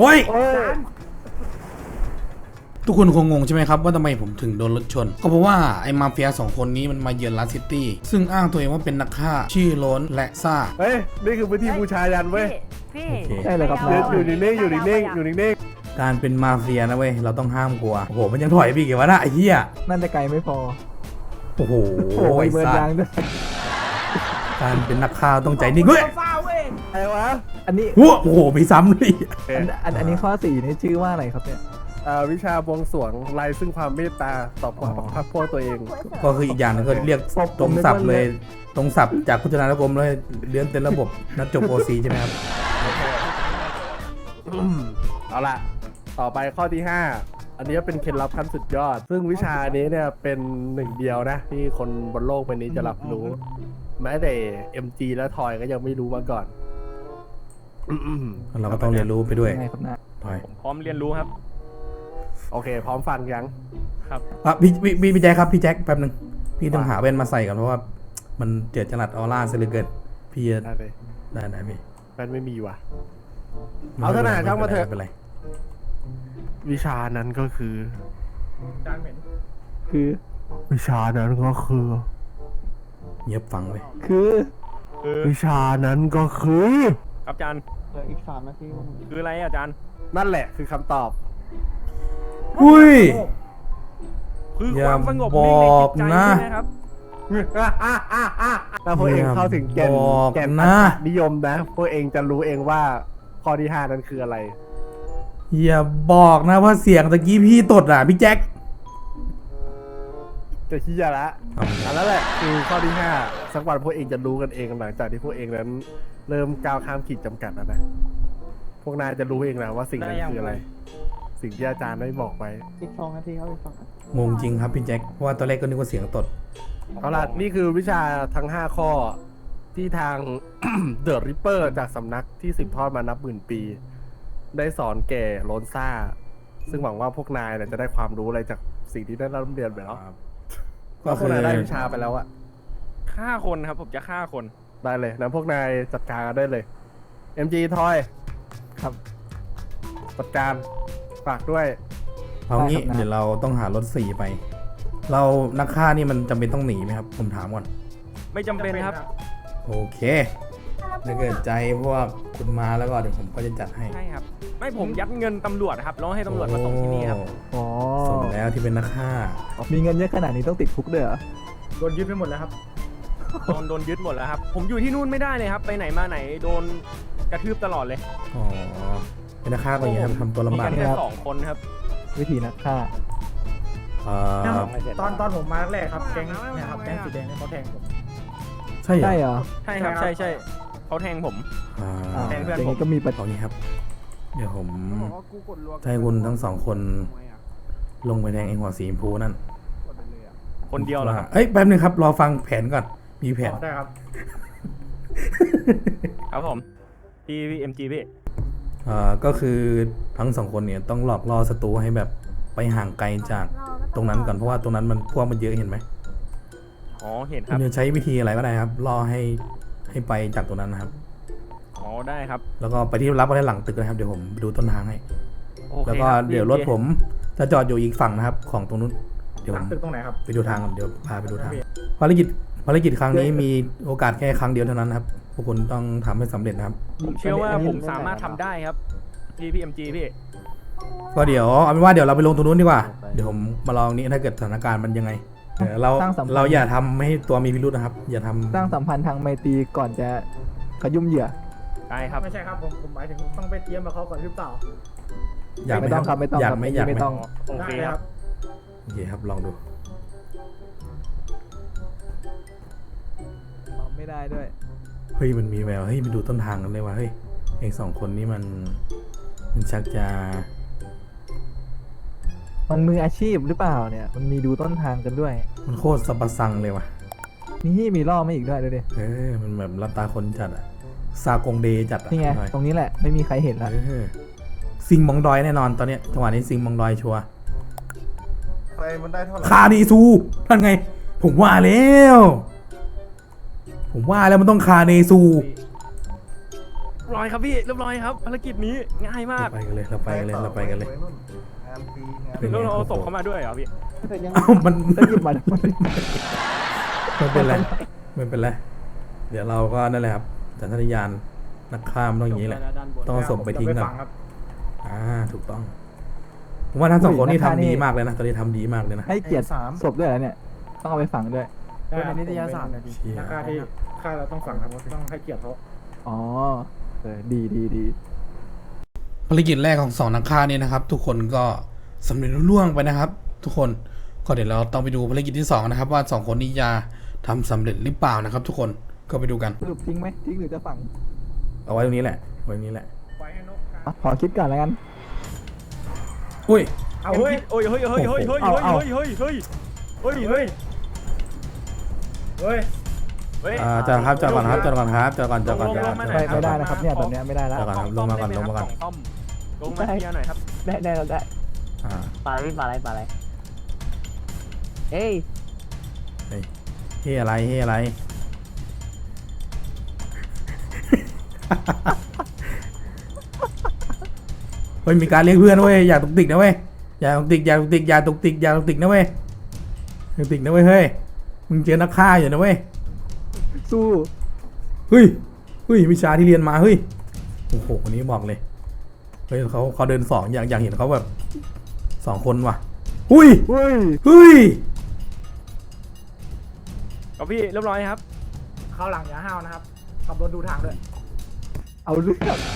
โอ้ยทุกคนคงงงใช่ไหมครับว่าทำไมผมถึงโดนรถชนก็เพราะว่าไอ้มาเฟีย2 คนนี้มันมาเยือนลาสซิตี้ซึ่งอ้างตัวเองว่าเป็นนักฆ่าชื่อโล้นและซ่าเฮ้ยนี่คือพื้นที่บูชายันเว้ยพี่โอเคใช่เลยครับอยู่นิ่งๆอยู่นิ่งๆอยู่นิ่งการเป็นมาเฟียนะเว้ยเราต้องห้ามกลัวโอ้โหมันยังถอยไปอีกวะนะไอ้เหี้ยนั่นจะไกลไม่พอโอ้โหโอ้ไอ้ยเบิร์นสัตยางว์ด้วยการเป็นนักฆ่าต้องใจนิ่งเว้ยๆอะไรวะอันนี้โอ้โหมีซ้ำด้วยอันนี้ข้อ4นี่ชื่อว่าอะไรครับเนี่ยวิชาบวงสรวงไล่ซึ่งความเมตตาต่อความพักพวกตัวเองก็คืออีกอย่างนึงก็เรียกตรงศัพท์เลยตรงศัพท์จากพุทธนานุกรมเลยเรียนเต็มระบบนัดจบโอซีใช่ไหมครับเอาล่ะต่อไปข้อที่ 5 อันนี้เป็นเคล็ดลับขั้นสุดยอด ซึ่งวิชานี้เนี่ยเป็นหนึ่งเดียวนะที่คนบนโลกใบนี้จะรับรู้ แม้แต่ MG และทอยก็ยังไม่รู้มาก่อนเราก็ต้องเรียนรู้ไปด้วยยังไงครับนะถอยพร้อมเรียนรู้ครับโอเค พร้อมฟังยังครับพี่แจ็คครับพี่แจ็คแป๊บนึงพี่ต้องหาแว่นมาใส่ก่อนเพราะว่ามันเจิดจรัสออร่าเสียเหลือเกินพี่จะได้เลยได้พี่แฟนไม่มีว่ะ เอาเถอะนะช่างมาเถอะไเป็นไรวิชานั้นก็คือคือวิชานั้นก็คือเงียบฟังเลยคือวิชานั้นก็คือครับอาจารย์เหลืออีก3 นาทีคืออะไรอาจารย์นั่นแหละคือคำตอบอุ้ยคืออย่าความสงบบอกนิ่งในจิตใจนะใช่ไหมครับถ้าพวกเองเข้าถึงแก่นบอกแก่นนะนิยมนะ พวกเองจะรู้เองว่าข้อที่ 5 นั้นคืออะไรอย่าบอกนะว่าเสียงตะกี้พี่ตดอ่ะพี่แจ็คจะขี้ยาละอันนั้นแหละคือข้อที่ 5 สักวันพวกเองจะรู้กันเองหลังจากที่พวกเองนั้น เริ่มก้าวข้ามขีดจำกัดแล้วนะ พวกนายจะรู้เองนะว่าสิ่งนั้นคืออะไร สิ่งที่อาจารย์ได้บอกไว้อีก2 นาทีครับอีก2 นาทีงงจริงครับพี่แจ็คเพราะว่าตอนแรกก็นึกว่าเสียงตดเอาล่ะนี่คือวิชาทั้ง 5 ข้อที่ทาง เดอะริปเปอร์จากสำนักที่สืบทอดมานับหมื่นปี ได้สอนแก่โลนซ่า ซึ่งหวังว่าพวกนายเนี่ยจะได้ความรู้อะไรจากสิ่งที่ได้รับเรียนไปแล้ว ก็พวกนายได้วิชาไปแล้วอะฆ่าคนครับ ผมจะฆ่าคนได้เลยนะพวกนายจัดการกันได้เลย MG ทอยครับจัดการฝากด้วยเอางี้ได้ครับนะเดี๋ยวเราต้องหารถ4ไป เรานักฆ่านี่มันจำเป็นต้องหนีไหมครับผมถามก่อนไม่จำเป็นครับโอเคถ้าเกิดใจพวกคุณมาแล้วก็เดี๋ยวผมก็จะจัดให้ใช่ครับ ไม่ผมยัดเงินตำรวจครับแล้วให้ตำรวจมาส่งที่นี่ครับอ๋อสมแล้วที่เป็นนักฆ่ามีเงินเยอะขนาดนี้ต้องติดคุกด้วยเหรอโดนยึดหมดแล้วครับ โดนยึดหมดแล้วครับ ผมอยู่ที่นู่นไม่ได้เลยครับ ไปไหนมาไหนโดนกระทืบตลอดเลยอ๋อเป็นนักฆ่าก็อย่างนี้ครับทำตัวมีลำบากกันแค่2 คนครับวิธีนักฆ่าเอ่อตอนผมมาแรกครับแก๊งเนี่ยครับแก๊งสีแดงเนี่ยเขาแทงผมใช่เหรใช่อเหรอใช่ครับ ใช่ใช่เขาแทงผมอ่าอ่าแทงเพื่อนอย่างผมนี้ก็มีปัญเอางี้ครับ เดี๋ยวผมจะให้คุณทั้ง2 คนลงไปแทงไอ้หัวสีชมพูนั่นคนเดียวเหรอครับเอ้ยแป๊บนึงครับรอฟังแผนก่อนมีแผนได้ครับครับผมพี่เอ็มจีพี่ก็คือทั้ง2 คนเนี่ยต้องหลอกล่อศัตรูให้แบบไปห่างไกลจากตรงนั้นก่อนเพราะว่าตรงนั้นมันพวกมันเยอะเห็นไหมอ๋อเห็นคคุรับณจะใช้วิธีอะไรก็ได้ครับล่อให้ไปจากตรงนั้นนะครับอ๋อได้ครับแล้วก็ไปที่รับไว้หลังตึกนะครับเดี๋ยวผมดูต้นทางให้โอเคแล้วก็ครับเดี๋ยวรถผมจะจอดอยู่อีกฝั่งนะครับ ของตรงนู้นเดี๋ยวหลัผงมตึกตรงไหนครับไปดูทางก่อนเดี๋ยวพาไปดูทางภารกิจครั้งนี้มีโอกาสแค่ครั้งเดียวเท่านั้นนะครับพวกคุณต้องทำให้สำเร็จนะครับผมเชื่อว่าผมสามารถทำได้ครับพี่เอ็มจีพี่ก็เดี๋ยวเอาเป็นว่าเดี๋ยวเราไปลงตรงนู้นดีกว่าเดี๋ยวผมมาลองนี้ถ้าเกิดสถานการณ์มันยังไงเราอย่าทำให้ตัวมีพิรุธนะครับ อย่าทำสร้างสัมพันธ์ทางไมตรีก่อนจะขยุ่มเหยื่อได้ครับไม่ใช่ครับผมหมายถึงต้องไปเตรียมกับเขาก่อนหรือเปล่าอยากไหมไม่ต้องครับไม่ต้องอยากครับไหมอยากไหมไม่ต้องโอเคได้ครับโอเคครับลองดูไม่ได้ด้วยเฮ้ยมันมีแววเฮ้ยมันดูต้นทางกันเลยว่ะเฮ้ยเอง2 คนนี้มันชักจะมันมืออาชีพหรือเปล่าเนี่ย มันมีดูต้นทางกันด้วยมันโคตรสับสังเลยว่ะนี่มีล่อไม่อีกด้วยดูดิมันแบบรับตาคนจัดอะซากงเดจัดอะนี่ไงหน่อยตรงนี้แหละไม่มีใครเห็นละซิงมองดอยแน่นอนตอนเนี้ยจังหวะนี้ซิงมองดอยชัวร์ไฟมันได้เท่าไหร่คาดีซูท่านไง ผมว่าแล้วมันต้องคาเนซูร้อยครับพี่เรียบร้อยครับภารกิจนี้ง่ายมากเราไปกันเลยเราไปกันเลยเราไปกันเลยแล้วเราเอาศพเข้ามาด้วยเหรอพี่เอ้ามันแล้วหยิบมาทำไมไม่เป็นไรไม่เป็นไรเดี๋ยวเราก็นั่นแหละครับสัญชาตญาณนักฆ่ามันต้องอย่างนี้แหละต้องเอาศพไปทิ้งก่อนฟังครับถูกต้องผมว่าทั้งสองคนนี่ทำดีมากเลยนะตอนนี้ทำดีมากเลยนะให้เกียรติศพด้วยเหรอเนี่ย ต้องเอาไปฝังด้วยเป็นนิตยสารนะดิเชี่ยนักฆ่าที่ฆ่าเราต้องฟังครับต้องให้เกียรติเขาอ๋อดีดีภารกิจแรกของสองนักฆ่านี่นะครับ ทุกคนก็สำเร็จรุ่ล่วงไปนะครับ ทุกคนก็เดี๋ยวเราต้องไปดูภารกิจที่สองนะครับ ว่าสองคนนี้จะทำสำเร็จหรือเปล่านะครับ ทุกคนก็ไปดูกันสรุปทิ้งไหมทิ้งหรือจะฝังเอาไว้ตรงนี้แหละไว้ตรงนี้แหละไว้ให้นกครับอ่ะขอคิดก่อนแล้วกันอุ้ยเอาเฮ้ยโอ้ยเฮ้ยเฮ้ยเฮ้ยเฮ้ยเฮ้ยเฮ้ยเฮ้ยเฮ้ยเฮ้ยเฮ้ยเฮ้ยเฮ้ยจอดครับจอดก่อนครับจอดก่อนครับจอดก่อนจอดก่อนจอดก่อนไม่ได้นะครับเนี่ยตอนเนี้ยไม่ได้แล้วจอดก่อนครับลงมาก่อนลงมาก่อนต้อมลงมาเคลียร์หน่อยครับได้เราได้อ่าปลาอะไรเอ้ยเฮ้ยอะไรเฮ้ยอะไร เฮ้ยมีการเรียกเพื่อนเว้ยอย่าตุกติกนะเว้ยอย่าตุกติกอย่าตุกติกอย่าตุกติกอย่าตุกติกนะเว้ยอย่าตุกติกนะเว้ยเฮ้ยมึงเจอนักฆ่าอยู่นะเว้ยสู้เฮ้ยวิชาที่เรียนมาเฮ้ยโอ้โหคนนี้บอกเลยเฮ้ยเขาเดินสองอยากเห็นเขาแบบสองคนว่ะหุ้ยเฮ้ยเฮ้ยก็พี่เรียบร้อยครับเข้าหลังอย่าห้าวนะครับขับรถดูทางด้วยเอาเรื่อง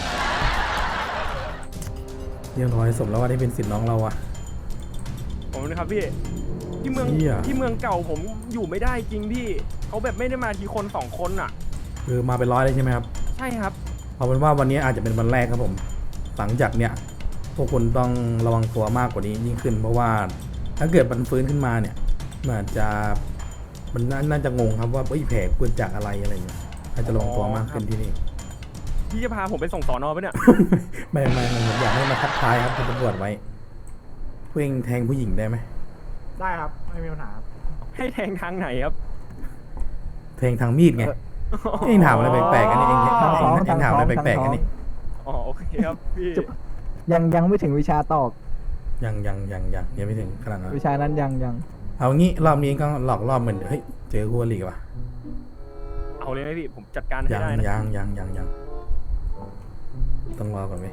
เรียบร้อยสมแล้วว่าได้เป็นสิทธิ์น้องเราอ่ะผมนะครับพี่ที่เมืองเชี่ยที่เมืองเก่าผมอยู่ไม่ได้จริงพี่เขาแบบไม่ได้มาทีคนสองคนอ่ะคือมาเป็นร้อยเลยใช่ไหมครับใช่ครับเอาเป็นว่าวันนี้อาจจะเป็นวันแรกครับผมหลังจากเนี้ยพวกคุณต้องระวังตัวมากกว่านี้ยิ่งขึ้น เพราะว่าถ้าเกิดมันฟื้นขึ้นมาเนี่ยมันอาจจะมันน่าจะงงครับว่าแผลเกิดจากอะไรอะไรเงี้ยอาจจะระวังตัวมากขึ้นที่นี่พี่จะพาผมไปส่งสอนอปะเนี่ยไม่ผมอยากให้มาทักทายครับคุณตำรวจไว้เพ่งแทงผู้หญิงได้ไหมได้ครับไม่มีปัญหาครับให้แทงทางไหนครับแทงทางมีดไงเองถามอะไรแปลกๆกันนี่เองถามอะไรแปลกๆกันนี่อ๋อโอเคครับพี่ยังไม่ถึงวิชาตอกยังไม่ถึงขนาดนั้นวิชานั้นยังเอางี้รอบนี้ก็หลอกรอบเหมือนเฮ้ยเจอคู่อริว่ะเอาเลยไหมพี่ผมจัดการให้ยังได้นะยังต้องรอก่อนไหม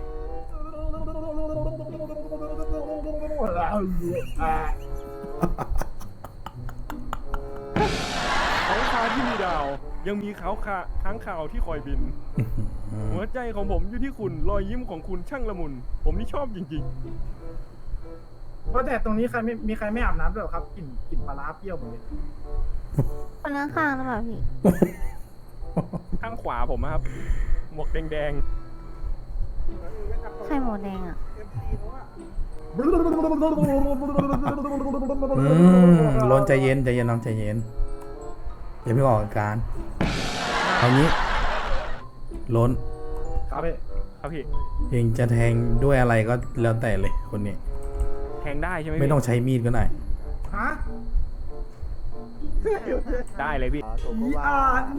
เขาคาที่มีดาว ยังมีเขาค้างข่าวที่คอยบิน หัวใจของผมอยู่ที่คุณรอยยิ้มของคุณช่างละมุน ผมนี่ชอบจริงเพราะแต่ตรงนี้ใครไม่มีใครไม่อาบน้ำด้วยเหรอครับกลิ่นปลาร้าเปรี้ยวหมดเลยคนข้างๆหรือเปล่าพี่ๆข้างขวาผมอะครับ หมวกแดงไข่หมูแดงอ่ะล้นใจเย็นน้องใจเย็นอย่าไม่ออกอาการเอางี้ล้นครับพี่ๆครับพี่เองจะแทงด้วยอะไรก็แล้วแต่เลยคนนี้แทงได้ใช่ไหมไม่พี่ต้องใช้มีดก็ได้ฮะได้เลยพี่อีอา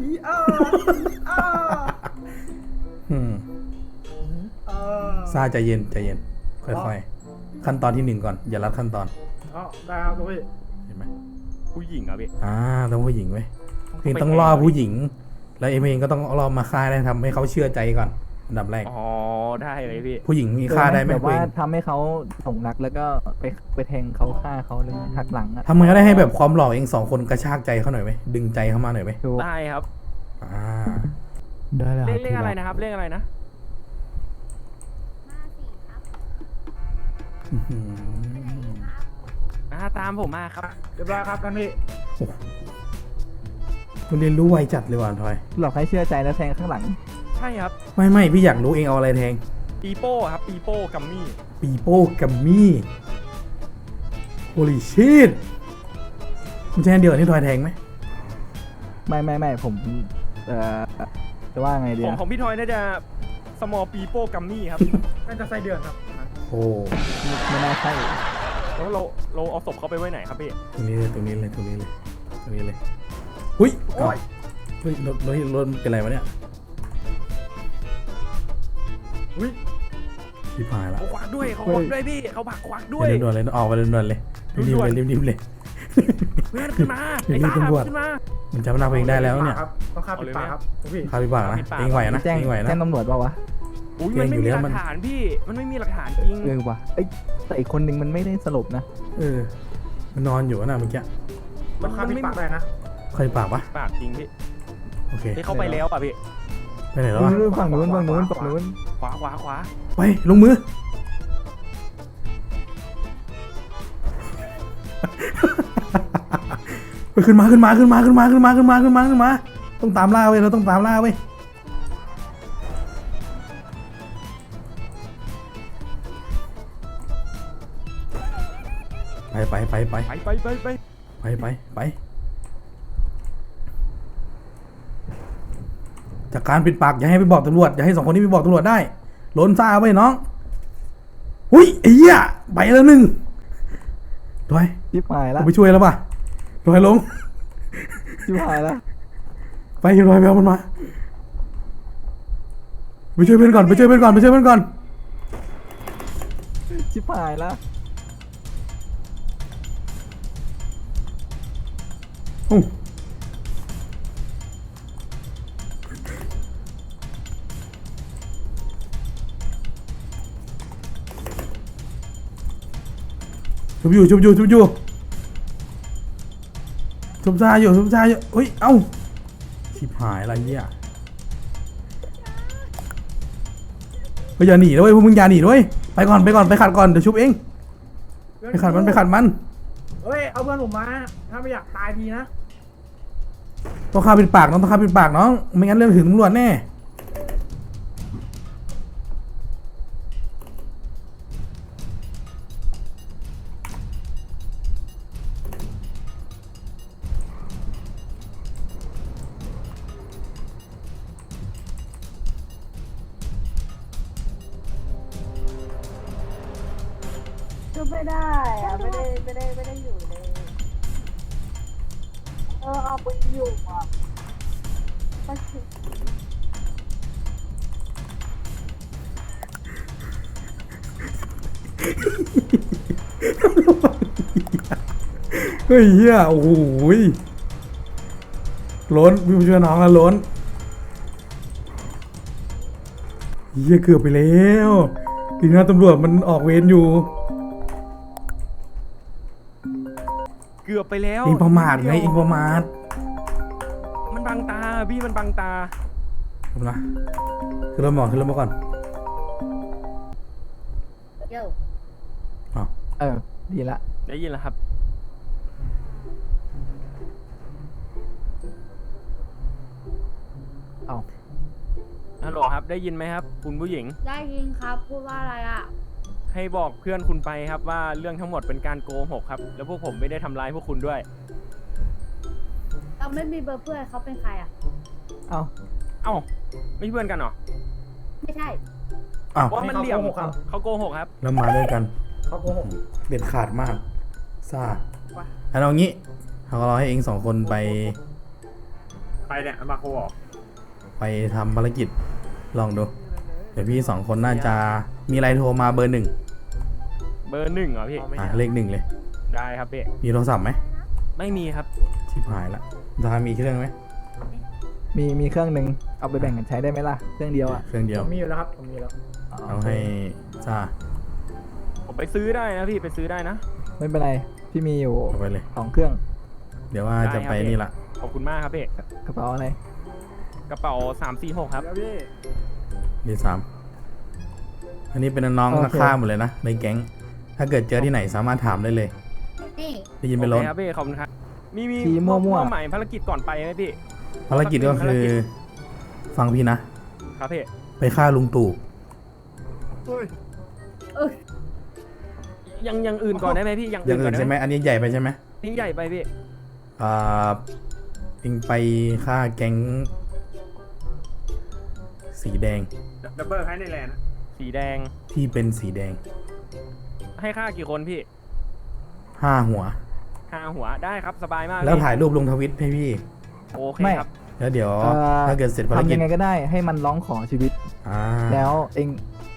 อืมซาใจเย็นค่อยๆขั้นตอนที่หนึ่งก่อนอย่ารัดขั้นตอนอ๋อได้ครับพี่เห็นไหมผู้หญิงอะพี่ต้องผู้หญิงไว้ยเองต้องล่อผู้หญิง แล้วเองก็ต้องล่อมาฆ่าได้ทำให้เขาเชื่อใจก่อนอันดับแรกอ๋อได้เลยพี่ผู้หญิงมีฆ่าได้ไหมแบบว่าเองทำให้เขาหลงรักแล้วก็ไปแทงเขาฆ่าเขาเลยหักหลังอ่ะทำไงก็ได้ให้แบบความหล่อเองสองคนกระชากใจเขาหน่อยไหมดึงใจเขามาหน่อยไหมถูกได้ครับได้แล้วเลขอะไรนะครับเลขอะไรนะ ตามผมมาครับเรียบร้อยครับท่านพี่คุณเรียนรู้ไวจัดเลยว่ะทอยหลอกให้เชื่อใจแล้วแทงข้างหลังใช่ครับไม่พี่อยากรู้เองเอาอะไรแทงปีโป้ครับปีโป้กัมมี่ปีโป้กัมมี่โฮลิชิตมันใช่อันเดียวกับที่ทอยแทงไหมไม่ผมจะว่าไงดีของอะของพี่ทอยน่าจะสมอลปีโป้กัมมี่ครับน่าจะไส้เดือนครับโอ้ไม่น่าใช่แล้วเราเอาศพเขาไปไว้ไหนครับพี่ตรงนี้เลยหุ้ยเฮ้ยรถเป็นไรวะเนี่ยอุ้ยชิบหายละเขาควักด้วยเขาควักด้วยพี่เขาผักควักด้วยเดี๋ยวด่วนเลยออกไปด่วนเลยรีบๆเลยรีบๆเลยเพื่อนขึ้นมาไอ้รีตาบๆตำรวจขึ้นมามันจำหน้าตัวเองได้แล้วเนี่ยครับต้องฆ่าปิดปากครับพี่คาบิบากนะเองไหวนะแจ้งเองไหวนะแจ้งตำรวจเปล่าวะอุ้ยเก่มันงไม่อยู่มีแล้วหลัมันกฐานพี่มันไม่มีหลักฐานจริงเออวะเอ้ยแต่อีกคนนึงมันไม่ได้สลบนะเออมันนอนอยู่นะเมื่อกี้ต้องฆ่าปิดปากได้นะใครปากปะปากจริงพี่โอเคที่เขาไปแล้วป่ะพี่ไปไหนแล้ววะนู่นฝั่งนู้นฝั่งนู้นฝั่งนู้นขวาขวาขวาไปลงมือ ไปขึ้นมาต้องตามล่าเว้ยเราต้องตามล่าเว้ยไปไปไปไปไปจากการปิดปากอย่าให้ไปบอกตำรวจอย่าให้สองคนนี้ไปบอกตำรวจได้โหลนซ่าไว้น้องหุ้ยไอ้เหี้ยไปแล้วหนึ่งดอยชิบหายละกูไปช่วยแล้วป่ะดอยลงชิบหายละไปดอยไปเอามันมาไปช่วยเพื่อนก่อนชิบหายละอู้ชุบอยู่ชุบซ่าอยู่เฮ้ยเอ้าชิบหายอะไรเนี่ยเฮ้ยอย่าหนีด้วยพวกมึงอย่าหนีด้วยไปก่อนไปขัดก่อนเดี๋ยวชุบเองไปขัดมันเฮ้ยเอาเพื่อนผมมาถ้าไม่อยากตายทีนะต้องฆ่าปิดปากน้องไม่งั้นเรื่องถึงตำรวจแน่ก็ไม่ได้อะไม่ได้อยู่ในเอาไปอยู่อ่ะก็คือเฮ้ยเฮียโอ้โหล้นพี่ผู้ช่วยน้องแล้วล้นเฮียเกือบไปแล้วทีนี้ตำรวจมันออกเวรอยู่เกือบไปแล้วเองประมาทไงเองประมาทมันบังตาพี่มันบังตาถูกนะขึ้นรถมาก่อนเยอะอ้าวดีละได้ยินแล้วครับเอาฮัลโหลครับได้ยินไหมครับ คุณผู้หญิงได้ยินครับพูดว่าอะไรอ่ะให้บอกเพื่อนคุณไปครับว่าเรื่องทั้งหมดเป็นการโกหกครับ แล้วพวกผมไม่ได้ทำร้ายพวกคุณด้วยเราไม่มีเบอร์เพื่อนเขาเป็นใครอ่ะเอาเอ้าไม่ใช่เพื่อนกันเหรอไม่ใช่อ้าวว่ามันเหลี่ยมเขาโกหกครับเขาโกหกครับแล้วมาด้วยกันเขาโกหกเด็ดขาดมากซ่าว่ะอันเอางี้เขาก็รอให้เองสองคนไปไปเนี่ยมาโคออกไปทำภารกิจลองดู เดี๋ยวพี่สองคนน่าจะมีอะไรโทรมาเบอร์ 1 เบอร์ 1เหรอพี่เลข 1เลยได้ครับพี่มีโทรศัพท์ไหมไม่มีครับชิบหายละดามีเครื่องไหมมีเครื่องหนึ่งเอาไปแบ่งกันใช้ได้ไหมล่ะ เครื่องเดียวอ่ะเครื่องเดียวผมมีอยู่แล้วครับผมมีแล้วเอาให้ซ่าผมไปซื้อได้นะพี่ไปซื้อได้นะไม่เป็นไร พี่มีอยู่เอาไปเลย 2 เครื่องเดี๋ยวว่าจะไปได้ครับนี่ละขอบคุณมากครับพี่กระเป๋าอะไรกระเป๋า346ครับดีสามอันนี้เป็นน้องโอเคนักฆ่าหมดเลยนะในแก๊ง ถ้าเกิดเจอที่ไหนสามารถถามได้เลยนี่ได้ยินไปล้นโอเคครับพี่ขอบคุณครับมีชี้มั่วๆเป้าหมายภารกิจก่อนไปไหมพี่ภารกิจก็คือฟังพี่นะครับพี่ไปฆ่าลุงตู่ยังอื่นก่อนได้ไหมพี่ยังอย่างอื่นใช่ไหมอันนี้ใหญ่ไปใช่ไหมทิ้งใหญ่ไปพี่อ่าเองไปฆ่าแก๊งสีแดงดับเบิลให้ในแลนด์สีแดงที่เป็นสีแดงให้ค่ากี่คนพี่ 5 หัว 5 หัวได้ครับสบายมากแล้วพี่ถ่ายรูปลงทวิตให้พี่โอเคไม่ครับแล้วเดี๋ยวเอ่อถ้าเกิดเสร็จภารทำกิยัจงไงก็ได้ให้มันร้องขอชีวิตอ่าแล้วเอง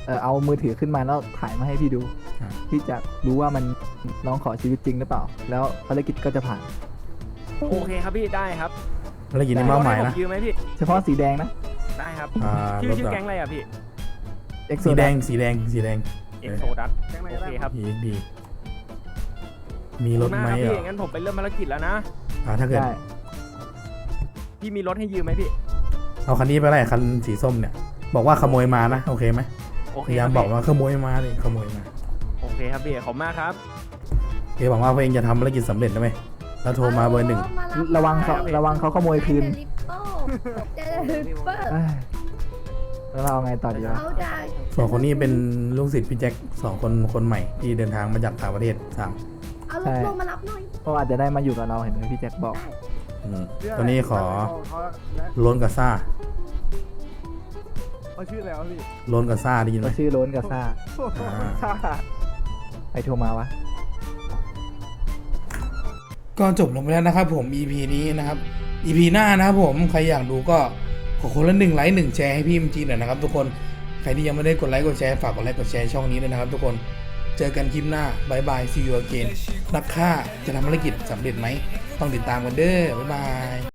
เอามือถือขึ้นมาแล้วถ่ายมาให้พี่ดูอ่าพี่จะรู้ว่ามันน้องขอชีวิตจริงหรือเปล่า แล้วภารกิจก็จะผ่านโอเคครับพี่ได้ครับแล้วยินดีมากหมายผนะยืมไหมพี่เฉพาะสีแดงนะได้ครับรถชื่ออะแก๊งอะไรอ่ะพี่เอ็กโซสีแดงสีแดงสีแดงเอ็กโซดัสโอเคครับดี มีรถไหมขอบคุณากคบเหรพี่องั้นผมไปเริ่มภารกิจแล้วนะถ้าเกิดได้พี่มีรถให้ยืมไหมพี่เอาคันนี้ไปไล่คันสีส้มเนี่ย บอกว่าขโมยมานะ โอเคไหมโอพเคยายามครับบอกว่าขโมยมาเลยขโมยมาโอเคครับพี่ขอบคุณมากครับเอ๋หวังว่าเพลงจะทำภารกิจสำเร็จนะไหมแล้วโทรมาเบอร์หนึ่งระวังเขาขโมยคืนเจอริปเปอร์เอ้ยแล้วเราไงต่อดีวะเขาจะสองคนนี้เป็นลูกศิษย์พี่แจ็คคนใหม่ที่เดินทางมาจากต่างประเทศ3 เอารถลงมารับหน่อยเพราะอาจจะได้มาอยู่กับเราเห็นไหมพี่แจ็คบอกตอนนี้ขอโล้นกับซ่าเขาชื่ออะไรวะพี่โล้นกับซ่าได้ยินไหมก็ชื่อโล้นกับซ่าอ่าใครโทรมาวะก็จบลงไปแล้วนะครับผม EP นี้นะครับ EP หน้านะครับผมใครอยากดูก็ขอคนละ1 ไลค์ 1 แชร์ให้พี่มจีหน่อยนะครับทุกคนใครที่ยังไม่ได้กดไลค์กดแชร์ฝากกดไลค์กดแชร์ช่องนี้ด้วยนะครับทุกคนเจอกันคลิปหน้าบายบาย see you again นักฆ่าจะทำภารกิจสำเร็จไหมต้องติดตามกันเด้อบ๊ายบาย